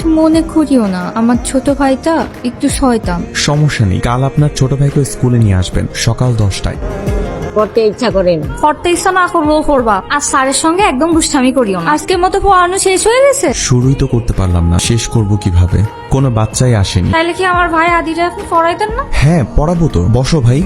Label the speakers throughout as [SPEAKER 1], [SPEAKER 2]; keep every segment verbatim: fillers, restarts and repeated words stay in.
[SPEAKER 1] মনে করিও না, আমার ছোট ভাইটা একটু শয়তান।
[SPEAKER 2] সমস্যা নেই, কাল আপনার ছোট ভাইকে স্কুলে নিয়ে আসবেন সকাল দশটায়।
[SPEAKER 3] করতে ইচ্ছা করে না।
[SPEAKER 1] করতে ইচ্ছা না করলেও করবা, আর স্যারের সঙ্গে একদম দুষ্টামি করিও না। আজকের মতো পড়ানো শেষ হয়ে গেছে?
[SPEAKER 2] শুরুই তো করতে পারলাম না, শেষ করব কিভাবে? কোনো বাচ্চাই আসেনি।
[SPEAKER 1] তাইলে কি আমার ভাই আদিরা আপনি পড়াইতেন না?
[SPEAKER 2] হ্যাঁ পড়াবো তো, বসো ভাই।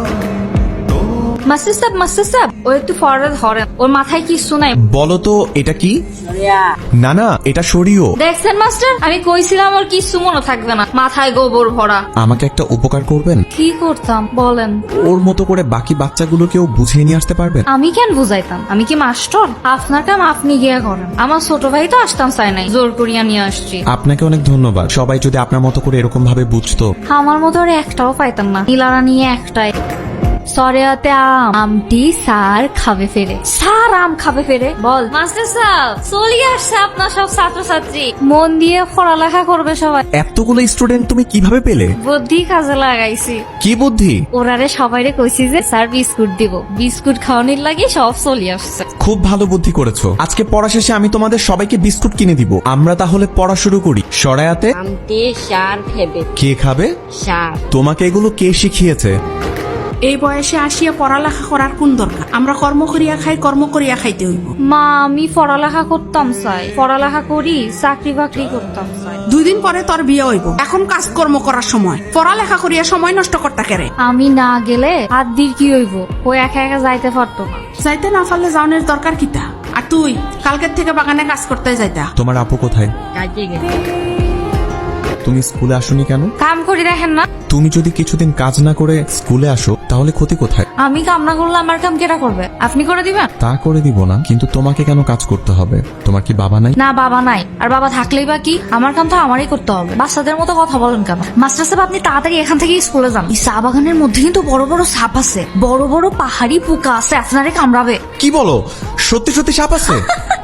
[SPEAKER 1] মাস্টার সাহেব, মাস্টার সাহেব, ও একটু ফরওয়ার্ড ধরেন, ওর মাথায় কিছু নাই।
[SPEAKER 2] বলো তো এটা কি? না না, এটা সরিও।
[SPEAKER 1] দেখছেন মাস্টার, আমি কইছিলাম ওর কিছু মনে থাকবে না, মাথায় গোবর ভরা।
[SPEAKER 2] আমাকে একটা উপকার করবেন?
[SPEAKER 1] কি করতাম বলেন?
[SPEAKER 2] ওর মতো করে বাকি বাচ্চাগুলোকেও বুঝিয়ে নিয়ে আসতে পারবেন?
[SPEAKER 1] আমি কেন বুঝাইতাম? আমি কি মাস্টার? আপনার কাম আপনি গিয়া করেন। আমার ছোট ভাই তো আসতাম চাই নাই, জোর করিয়া নিয়ে আসছি।
[SPEAKER 2] আপনাকে অনেক ধন্যবাদ। সবাই যদি আপনার মতো করে এরকম ভাবে বুঝতো।
[SPEAKER 1] আমার মতো আর একটাও পাইতাম না, নীলারা নিয়ে একটাই। সরেয়াতে আম আমটি স্যার খাবে ফেরে, স্যার আম খাবে ফেরে। বল মাস্টার সাহেব, চলে আসছে আপনার সব ছাত্রছাত্রী, মন দিয়ে পড়ালেখা করবে সবাই।
[SPEAKER 2] এতগুলো স্টুডেন্ট তুমি কিভাবে পেলে?
[SPEAKER 1] বুদ্ধি কাজে লাগাইছি।
[SPEAKER 2] কি বুদ্ধি?
[SPEAKER 1] ওরারে সবাইরে কইছি যে স্যার বিস্কুট দিব, বিস্কুট খাওয়ানোর লাগি সব চলে আসছে।
[SPEAKER 2] খুব ভালো বুদ্ধি করেছো। আজকে পড়া শেষে আমি তোমাদের সবাইকে বিস্কুট কিনে দিব। আমরা তাহলে পড়া শুরু করি। সরায়াতে
[SPEAKER 3] আমতে সার খেবে।
[SPEAKER 2] কে খাবে?
[SPEAKER 3] সার।
[SPEAKER 2] তোমাকে এগুলো কে শিখিয়েছে?
[SPEAKER 4] এই বয়সে আসিয়া পড়ালেখা করার কোন দরকার? আমরা কর্ম করিয়া খাই, কর্ম করিয়া খাইতে হইব।
[SPEAKER 1] মা, আমি পড়ালেখা করতাম চাই, পড়ালেখা করি, চাকরি বাকরি করতাম চাই।
[SPEAKER 4] দুই দিন পরে তোর বিয়ে হইব, এখন কাজকর্ম করার সময়, পড়ালেখা করিয়া সময় নষ্ট করতে কেরে?
[SPEAKER 1] আমি না গেলে আদির কি হইব? ও একা একা যাইতে পারতো না।
[SPEAKER 4] যাইতে না পারলে যাওনের দরকার কিতা? আর তুই কালকের থেকে বাগানে কাজ করতে যাইতা।
[SPEAKER 2] তোমার আপু কোথায়?
[SPEAKER 3] কাজে গেছে।
[SPEAKER 2] তুমি স্কুলে আসোনি কেন?
[SPEAKER 1] কাম করি দেখেন না?
[SPEAKER 2] তুমি যদি কিছুদিন কাজ না করে স্কুলে আসো তাহলে ক্ষতি কোথায়?
[SPEAKER 1] আমি কাম না করলে আমার কাম কেটা করবে? আপনি করে দিবেন?
[SPEAKER 2] তা করে দিব না, কিন্তু তোমাকে কেন কাজ করতে হবে? তোমার কি বাবা নাই?
[SPEAKER 1] না, বাবা নাই, আর বাবা থাকলেই বা কি, আমার কাম তো আমারই করতে হবে। বাচ্চাদের মতো কথা বলেন কেন? মাস্টার সাহেব, আপনি তাড়াতাড়ি এখান থেকে স্কুলে যান। এই চা বাগানের মধ্যে কিন্তু বড় বড় সাপ আছে, বড় বড় পাহাড়ি পোকা আছে, আপনারে কামড়াবে।
[SPEAKER 2] কি বলো? সত্যি সত্যি সাপ আছে?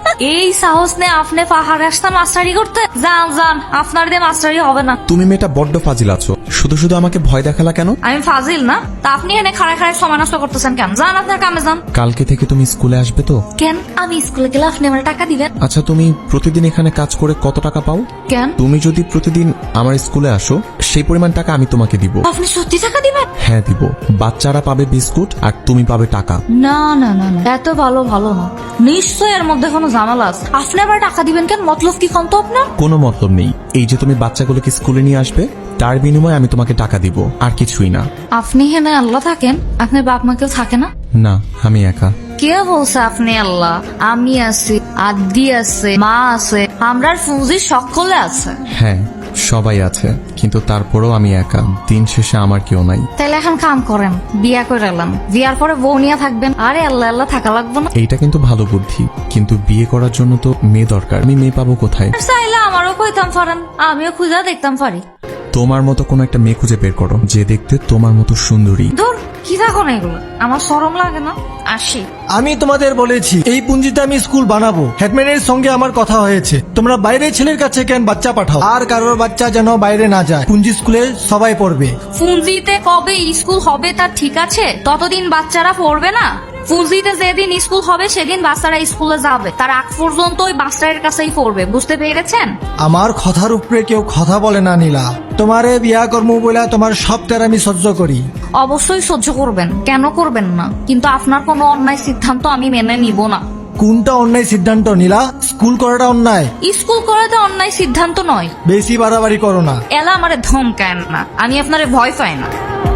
[SPEAKER 1] এই সাহস নে আপনি পাহাড়ে আসতে মাস্টারি করতে? যান যান, আপনার দিয়ে মাস্টারি হবে না।
[SPEAKER 2] তুমি মেয়েটা বড্ড ফাজিল আছো, শুধু শুধু আমাকে ভয় দেখালা কেন?
[SPEAKER 1] আমি ফাজিল না? তা আপনি এনে খাড়ায় খাড়ায় সময় নষ্ট করতেছেন কেন? যান আপনার কামে যান।
[SPEAKER 2] কালকে থেকে তুমি স্কুলে আসবে তো?
[SPEAKER 1] কেন? আমি স্কুলে গেলে আপনি আমার টাকা দিবেন?
[SPEAKER 2] আচ্ছা, তুমি প্রতিদিন এখানে কাজ করে কত টাকা পাও?
[SPEAKER 1] কেন?
[SPEAKER 2] তুমি যদি প্রতিদিন আমার স্কুলে আসো সেই পরিমাণ টাকা আমি তোমাকে দিব।
[SPEAKER 1] আপনি সত্যি টাকা দিবেন?
[SPEAKER 2] হ্যাঁ দিব। বাচ্চারা পাবে বিস্কুট আর তুমি পাবে টাকা।
[SPEAKER 1] না না না না, এত ভালো ভালো না, নিশ্চয় এর মধ্যে কোনো ঝামেলা আছে। আপনি আবার টাকা দিবেন কেন? মতলব কি কোন তো আপনার?
[SPEAKER 2] কোনো মতলব নেই। এই যে তুমি বাচ্চাগুলোকে স্কুলে নিয়ে আসবে, তার বিনিময়ে আমি তোমাকে টাকা দিব, আর কিছুই না।
[SPEAKER 1] আপনি হেনে আল্লাহ থাকেন, আপনার বাপ মা কেউ থাকে না?
[SPEAKER 2] না, আমি একা।
[SPEAKER 1] কে বলছে আপনি আল্লাহ? আমি আছি, আদি আছে, মা আছে, আমরার ফুজি সকলে আছে।
[SPEAKER 2] হ্যাঁ সবাই আছে, কিন্তু তারপরেও আমি একা। দিন শেষে আমার কেউ নাই।
[SPEAKER 1] তাহলে এখন কাম করেন, বিয়া করে এলাম, বিয়ার পরে বউ নিয়ে থাকবেন। আরে আল্লাহ আল্লাহ থাকা লাগবে না?
[SPEAKER 2] এইটা কিন্তু ভালো বুদ্ধি, কিন্তু বিয়ে করার জন্য তো মেয়ে দরকার। আমি মেয়ে পাবো কোথায়?
[SPEAKER 1] চাইলে আমারও কইতাম পারেন, আমিও খুঁজা দেখতাম পারি।
[SPEAKER 2] তোমার মতো কোন একটা মেয়ে খুঁজে বের করো যে দেখতে তোমার মতো সুন্দরী।
[SPEAKER 1] ধর, কি থাকো না এগুলো, আমার শরম লাগে না? আসি।
[SPEAKER 5] আমি তোমাদের বলেছি এই পুঞ্জিতে আমি স্কুল বানাবো। হেডম্যানের সঙ্গে আমার কথা হয়েছে, তোমরা বাইরে ছেলের কাছে কেন বাচ্চা পাঠাও? আর কারোর বাচ্চা যেন বাইরে না যায়। পুঞ্জি স্কুলে সবাই পড়বে।
[SPEAKER 1] ফুঞ্জিতে কবে স্কুল হবে তা ঠিক আছে, ততদিন বাচ্চারা পড়বে না। ফুঞ্জিতে যেদিন স্কুল হবে সেদিন বাচ্চারা স্কুলে যাবে, তার আগ পর্যন্ত ওই মাস্টারের কাছেই পড়বে, বুঝতে পেরেছেন?
[SPEAKER 5] আমার কথার উপরে কেউ কথা বলে না নীলা। তোমারে বিয়া কর্ম বলে তোমার সব তের আমি সহ্য করি।
[SPEAKER 1] অবশ্যই সহ্য করবেন, কেন করবেন না? কিন্তু আপনার কোনো অন্যায় সিদ্ধান্ত আমি মেনে নিব না।
[SPEAKER 5] কোনটা অন্যায় সিদ্ধান্ত নীলা? স্কুল করাটা অন্যায়?
[SPEAKER 1] স্কুল করাতে অন্যায় সিদ্ধান্ত নয়।
[SPEAKER 5] বেশি বাড়াবাড়ি করো না।
[SPEAKER 1] এলা আমারে ধমকায় না, আমি আপনারে ভয় পাই না।